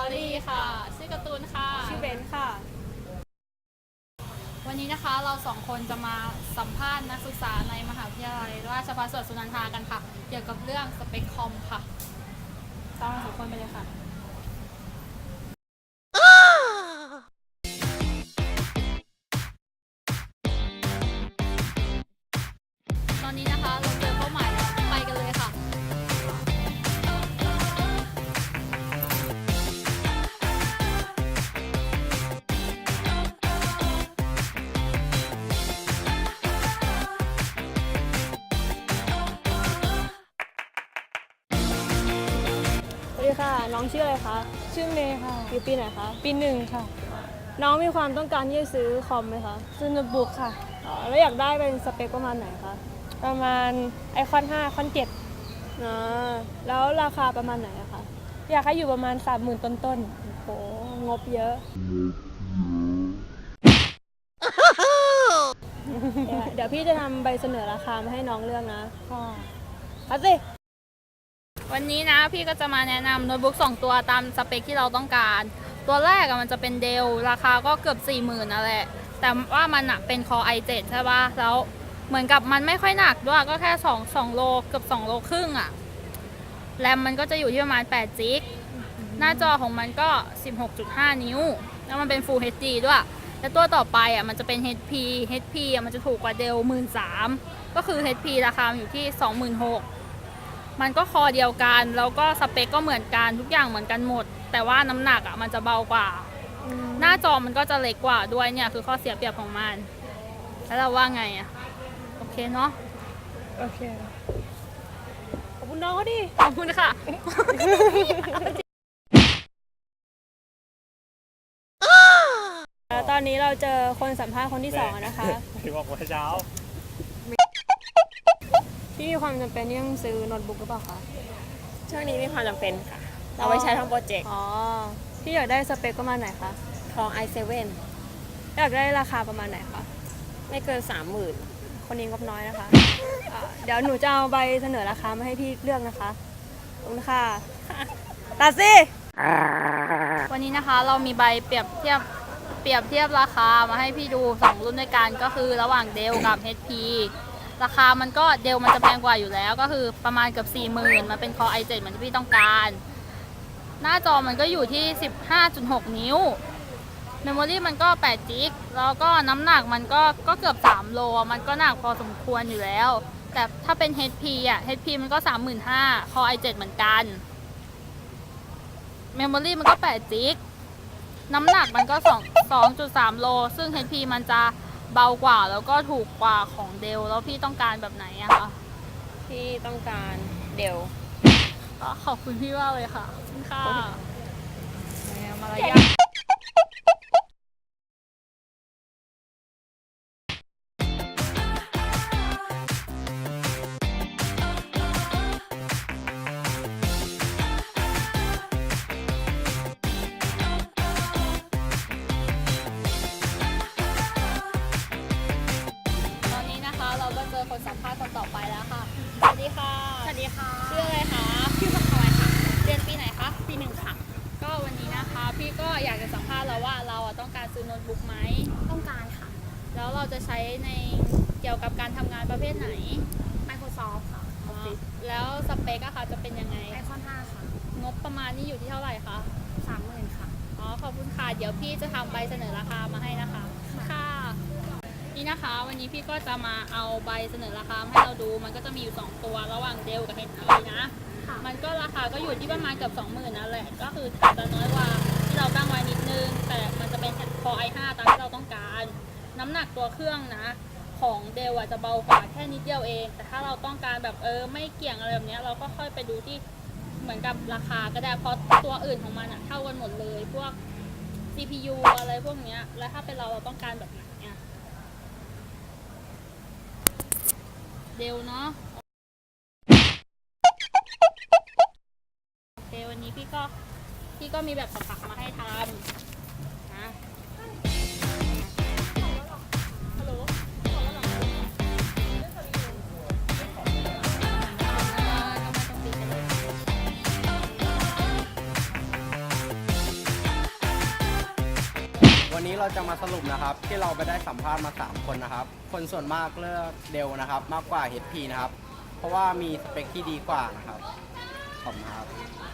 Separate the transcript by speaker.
Speaker 1: รี่ค่ะชื่อการ์ตูนค่ะ
Speaker 2: ชื่อเบนค่ะ
Speaker 1: วันนี้นะคะเราสองคนจะมาสัมภาษณ์นักศึกษาในมหาวิทยาลัยราชภัฏสวนสุนันทากันค่ะเกี่ยวกับเรื่องสเปคคอมค่ะตามเราสองคนไปเลยค่ะตอนนี้นะคะเราเจอเป้าหมายแล้วไปกันเลยค่ะ
Speaker 2: สวัสดีค่ะ น้องชื่ออะไรคะ
Speaker 3: ชื่อเมย์ค่ะ
Speaker 2: อยู่ปีไหนคะ
Speaker 3: ปีหนึ่งค่ะ
Speaker 2: น้องมีความต้องการที่จะซื้อคอมไหมคะ
Speaker 3: ซื้อโน้ตบุ๊กค่ะ
Speaker 2: แล้วอยากได้เป็นสเปคประมาณไหนคะ
Speaker 3: ประมาณไอคอน5ไอคอน7
Speaker 2: แล้วราคาประมาณไหนอะคะ
Speaker 3: อยากให้อยู่ประมาณ 30,000 ต้น
Speaker 2: โหงบเยอะ เดี๋ยวพี่จะทำใบเสนอราคามาให้น้องเลือกนะ
Speaker 3: ๆค่ะ
Speaker 2: เอาสิ
Speaker 1: วันนี้นะพี่ก็จะมาแนะนำโน้ตบุ๊ก2ตัวตามสเปคที่เราต้องการตัวแรกมันจะเป็นเดลราคาก็เกือบ 40,000นั่นแหละแต่ว่ามันเป็น Core i7 ใช่ป่ะแล้วเหมือนกับมันไม่ค่อยหนักด้วยก็แค่2โลเกือบ2โลครึ่งอะแรมมันก็จะอยู่ที่ประมาณ8จิกหน้าจอของมันก็ 16.5 นิ้วแล้วมันเป็น Full HD ด้วยและตัวต่อไปมันจะเป็น HP มันจะถูกกว่าเดล 13,000 ก็คือ HP ราคาอยู่ที่ 26,000 มันก็คอเดียวกันแล้วก็สเปคก็เหมือนกันทุกอย่างเหมือนกันหมดแต่ว่าน้ำหนักมันจะเบากว่าหน้าจอมันก็จะเล็กกว่าด้วยเนี่ยคือข้อเสียเปรียบของมันแล้วเราว่าไงโอเคเนาะ
Speaker 3: โอเค
Speaker 2: ขอบคุณน้องเขาดิ
Speaker 1: ขอบคุณค่ะ
Speaker 2: แล้วตอนนี้เราเจอคนสัมภาษณ์คนที่สองนะคะ
Speaker 4: ที่บอกว่าเช้า
Speaker 2: พี่มีความจำเป็นที่ต้องซื้อโน้ตบุ๊กหรือเปล่าคะ
Speaker 5: ช่วงนี้มีความจำเป็นค่ะ เราไว้ใช้ทำโปรเจกต์
Speaker 2: อ๋อ พี่อยากได้สเปคประมาณไหนคะ
Speaker 5: ของ i7
Speaker 2: อยากได้ราคาประมาณไหนคะ
Speaker 5: ไม่เกิน 30,000
Speaker 2: คนนี้งบน้อยนะคะ เดี๋ยวหนูจะเอาใบเสนอราคามาให้พี่เลือกนะคะขอบคุณค่ะ ตัดสิ
Speaker 1: วันนี้นะคะเรามีใบเปรียบเทียบราคามาให้พี่ดู2รุ่นด้วยกันก็คือระหว่างเดลกับ HP ราคามันก็เดลมันจะแพงกว่าอยู่แล้วก็คือประมาณเกือบ 40,000 มันเป็น Core i7 เหมือนที่พี่ต้องการ หน้าจอมันก็อยู่ที่ 15.6 นิ้วเมมโมรี่มันก็8จิกแล้วก็น้ำหนักมันก็เกือบ3โลมันก็หนักพอสมควรอยู่แล้วแต่ถ้าเป็น HP มันก็ 35,000 Core i7 เหมือนกันเมมโมรี่มันก็8จิกน้ำหนักมันก็2.3 โลซึ่ง HP มันจะเบากว่าแล้วก็ถูกกว่าของเดลแล้วพี่ต้องการแบบไหนอะคะ
Speaker 5: ที่ต้องการเดล
Speaker 1: ก็ขอบคุณพี่มากเลยค่ะขอบคุณค่ะมารยาทตอนนี้นะคะเราก็เจอคนสัมภาษณ์คนต่อไปแล้วค่ะสวัสดีค่ะ
Speaker 5: สวัสดีค่ะ
Speaker 1: ชื่ออะไรคะ
Speaker 5: ชื่อพักคอยค่ะ
Speaker 1: เรียนปีไหนคะ
Speaker 5: ปีหนึ่งค่ะ
Speaker 1: ก็วันนี้นะคะพี่ก็อยากจะสัมภาษณ์แล้วว่าเราต้องการซื้อโน้ตบุ๊กไหม
Speaker 5: ต้องการค่ะ
Speaker 1: แล้วเราจะใช้ในเกี่ยวกับการทำงานประเภทไหน
Speaker 5: Microsoft ค่ะ
Speaker 1: อ๋อแล้วสเปคอะคะจะเป็นยังไง
Speaker 5: ไอคอน5ค่ะ
Speaker 1: งบประมาณนี่อยู่ที่เท่าไหร่คะ
Speaker 5: 30,000 ค่ะ
Speaker 1: อ๋อขอบคุณค่ะเดี๋ยวพี่จะทำใบเสนอราคามาให้นะคะค่ะนี่นะคะวันนี้พี่ก็จะมาเอาใบเสนอราคามาให้เราดูมันก็จะมีอยู่2ตัวระหว่างเดลกับ HP นะมันก็ราคาก็อยู่ที่ประมาณเกือบ 20,000นั่นแหละก็คือจะน้อยกว่าที่เราตั้งไว้นิดนึงแต่มันจะเป็น Core i5 ตามที่เราต้องการน้ำหนักตัวเครื่องนะของเดลจะเบากว่าแค่นิดเดียวเองแต่ถ้าเราต้องการแบบไม่เกี่ยงอะไรแบบนี้เราก็ค่อยไปดูที่เหมือนกับราคาก็ได้เพราะตัวอื่นของมันเท่ากันหมดเลยพวก CPU อะไรพวกเนี้ยแล้วถ้าเป็นเราต้องการแบบไหนเดลเนาะโอเควันนี้พี่ก็มีแบบผักมาให้ทำนะฮัลโหล
Speaker 4: เราจะมาสรุปนะครับ ที่เราไปได้สัมภาษณ์มา 3 คนนะครับ คนส่วนมากเลือกเดลนะครับ มากกว่า HP นะครับ เพราะว่ามีสเปคที่ดีกว่านะครับขอบคุณครับ